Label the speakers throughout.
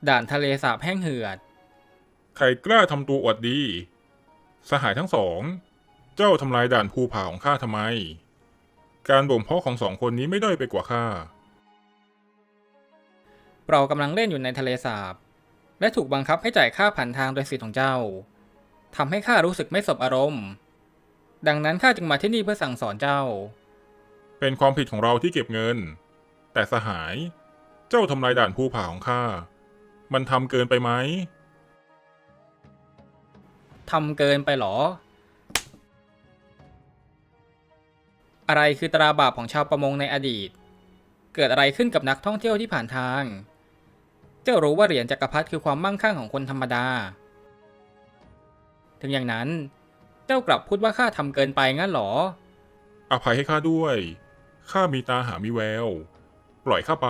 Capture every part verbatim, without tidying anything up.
Speaker 1: ด่านทะเลสาบแห้งเหือด
Speaker 2: ใครกล้าทำตัวอวดดีสหายทั้งสองเจ้าทำลายด่านภูผาของข้าทำไมการบ่มเพาะของสองคนนี้ไม่ด้อยไปกว่าข้า
Speaker 1: เรากำลังเล่นอยู่ในทะเลสาบและถูกบังคับให้จ่ายค่าผ่านทางโดยสิทธิ์ของเจ้าทำให้ข้ารู้สึกไม่สบอารมณ์ดังนั้นข้าจึงมาที่นี่เพื่อสั่งสอนเจ้า
Speaker 2: เป็นความผิดของเราที่เก็บเงินแต่สหายเจ้าทำลายด่านภูผาของข้ามันทำเกินไปไหม
Speaker 1: ทำเกินไปหรออะไรคือตราบาปของชาวประมงในอดีตเกิดอะไรขึ้นกับนักท่องเที่ยวที่ผ่านทางเจ้ารู้ว่าเหรียญจักรพรรดิคือความมั่งคั่งของคนธรรมดาถึงอย่างนั้นเจ้ากลับพูดว่าข้าทำเกินไปงั้นหรอ
Speaker 2: อภัยให้ข้าด้วยข้ามีตาหามีแววปล่อยข้าไป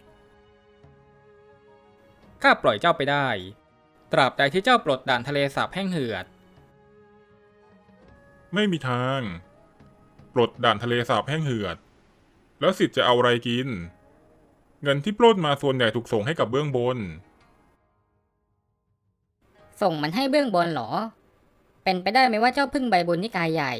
Speaker 1: ข้าปล่อยเจ้าไปได้ตราบใดที่เจ้าปลดด่านทะเลสาบแห้งเหือด
Speaker 2: ไม่มีทางปลดด่านทะเลสาบแห้งเหือดแล้วสิทธิ์จะเอาอะไรกินเงินที่ปล้นมาส่วนใหญ่ถูกส่งให้กับเบื้องบน
Speaker 3: ส่งมันให้เบื้องบนเหรอเป็นไปได้ไหมว่าเจ้าพึ่งใบบุญนิกายใหญ่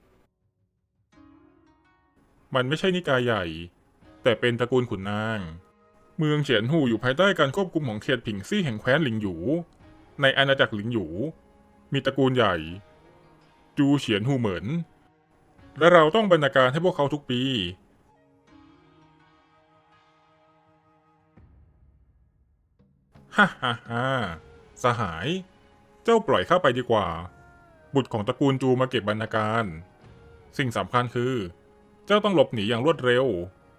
Speaker 2: มันไม่ใช่นิกายใหญ่แต่เป็นตระกูลขุนนางเมืองเฉียนหูอยู่ภายใต้การควบคุมของเขตผิงซี่แห่งแคว้นหลิงหยูในอาณาจักรหลิงหยูมีตระกูลใหญ่จูเฉียนหูเหมินและเราต้องบรรณาการให้พวกเขาทุกปีฮ่าฮ่าฮ่าสหายเจ้าปล่อยข้าไปดีกว่าบุตรของตระกูลจูมาเก็บบรรณาการสิ่งสำคัญคือเจ้าต้องหลบหนีอย่างรวดเร็ว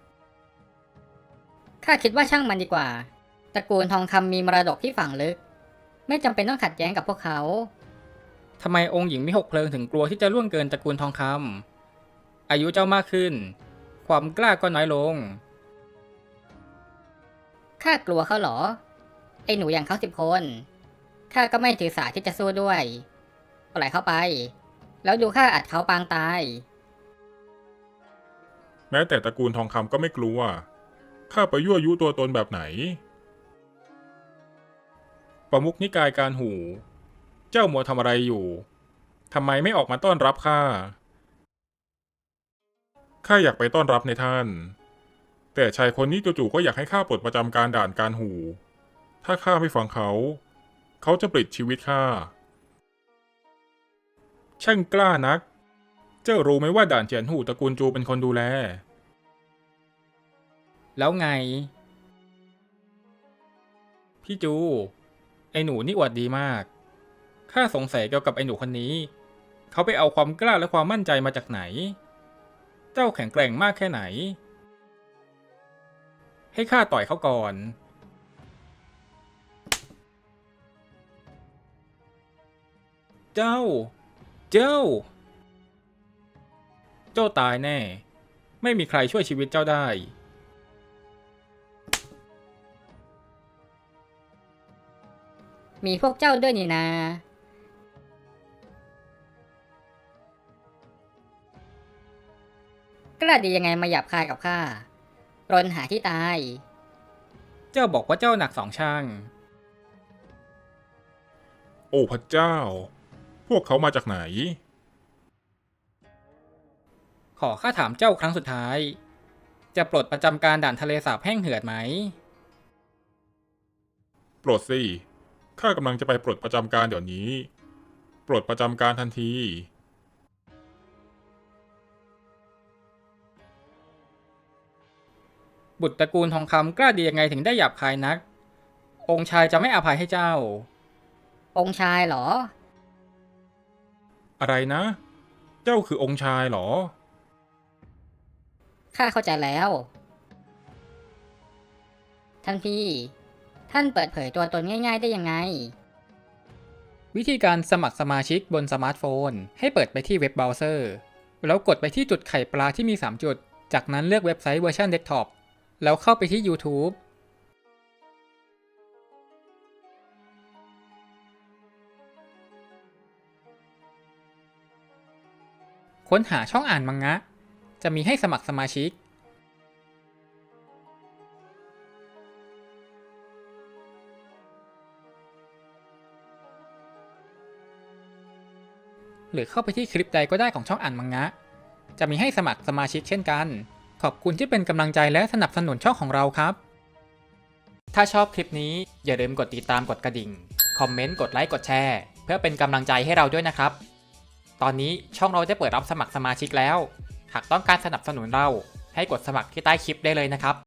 Speaker 3: ข้าคิดว่าช่างมันดีกว่าตระกูลทองคำมีมรดกที่ฝังลึกไม่จำเป็นต้องขัดแย้งกับพวกเขา
Speaker 1: ทำไมองค์หญิงมิหกเพลิงถึงกลัวที่จะล่วงเกินตระกูลทองคำอายุเจ้ามากขึ้นความกล้าก็น้อยลง
Speaker 3: ข้ากลัวเขาเหรอไอ้หนูอย่างเขาสิบคนข้าก็ไม่ถือสาที่จะสู้ด้วยปล่อยเขาไปแล้วดูข้าอัดเขาปางตาย
Speaker 2: แม้แต่ตระกูลทองคำก็ไม่กลัวข้าไปยั่วยุตัวตนแบบไหนประมุขนิกายการหู เจ้ามัวทำอะไรอยู่ทำไมไม่ออกมาต้อนรับข้าข้าอยากไปต้อนรับในท่านแต่ชายคนนี้จู่ๆก็อยากให้ข้าปลดประจำการด่านการหู ถ้าข้าไม่ฟังเขา เขาจะปลิดชีวิตข้าช่างกล้านัก เจ้ารู้ไหมว่าด่านเจียนหูตระกูลจูเป็นคนดูแล
Speaker 1: แล้วไงพี่จูไอหนูนี่อวดดีมากข้าสงสัยเกี่ยวกับไอหนูคนนี้เขาไปเอาความกล้าและความมั่นใจมาจากไหนเจ้าแข็งแกร่งมากแค่ไหนให้ข้าต่อยเขาก่อนเจ้าเจ้าเจ้าตายแน่ไม่มีใครช่วยชีวิตเจ้าได้
Speaker 3: มีพวกเจ้าด้วยนี่นากล้าดียังไงมาหยาบคายกับข้ารนหาที่ตาย
Speaker 1: เจ้าบอกว่าเจ้าหนักสองช่าง
Speaker 2: โอ้พระเจ้า พวกเขามาจากไหน
Speaker 1: ขอข้าถามเจ้าครั้งสุดท้ายจะปลดประจำการด่านทะเลสาบแห้งเหือดไหม
Speaker 2: ปลดสิข้ากำลังจะไปปลดประจำการเดี๋ยวนี้ ปลดประจำการทันที
Speaker 1: บุตรตระกูลทองคำกล้าดียังไงถึงได้หยาบคายนักองค์ชายจะไม่อภัยให้เจ้า
Speaker 3: องค์ชายเหรอ
Speaker 2: อะไรนะ เจ้าคือองค์ชายเหรอ
Speaker 3: ข้าเข้าใจแล้วท่านพี่ท่านเปิดเผยตัวตนง่ายๆได้ยังไง
Speaker 1: วิธีการสมัครสมาชิกบนสมาร์ทโฟนให้เปิดไปที่เว็บเบราว์เซอร์แล้วกดไปที่จุดไข่ปลาที่มีสามจุดจากนั้นเลือกเว็บไซต์เวอร์ชันเดสก์ท็อปแล้วเข้าไปที่ YouTube ค้นหาช่องอ่านมังงะจะมีให้สมัครสมาชิกหรือเข้าไปที่คลิปใดก็ได้ของช่องอ่านมังงะ จะมีให้สมัครสมาชิกเช่นกัน ขอบคุณที่เป็นกำลังใจและสนับสนุนช่องของเราครับ ถ้าชอบคลิปนี้อย่าลืมกดติดตามกดกระดิ่ง คอมเมนต์ กดไลค์ กดแชร์ เพื่อเป็นกำลังใจให้เราด้วยนะครับ ตอนนี้ช่องเราได้เปิดรับสมัครสมาชิกแล้ว หากต้องการสนับสนุนเราให้กดสมัครที่ใต้คลิปได้เลยนะครับ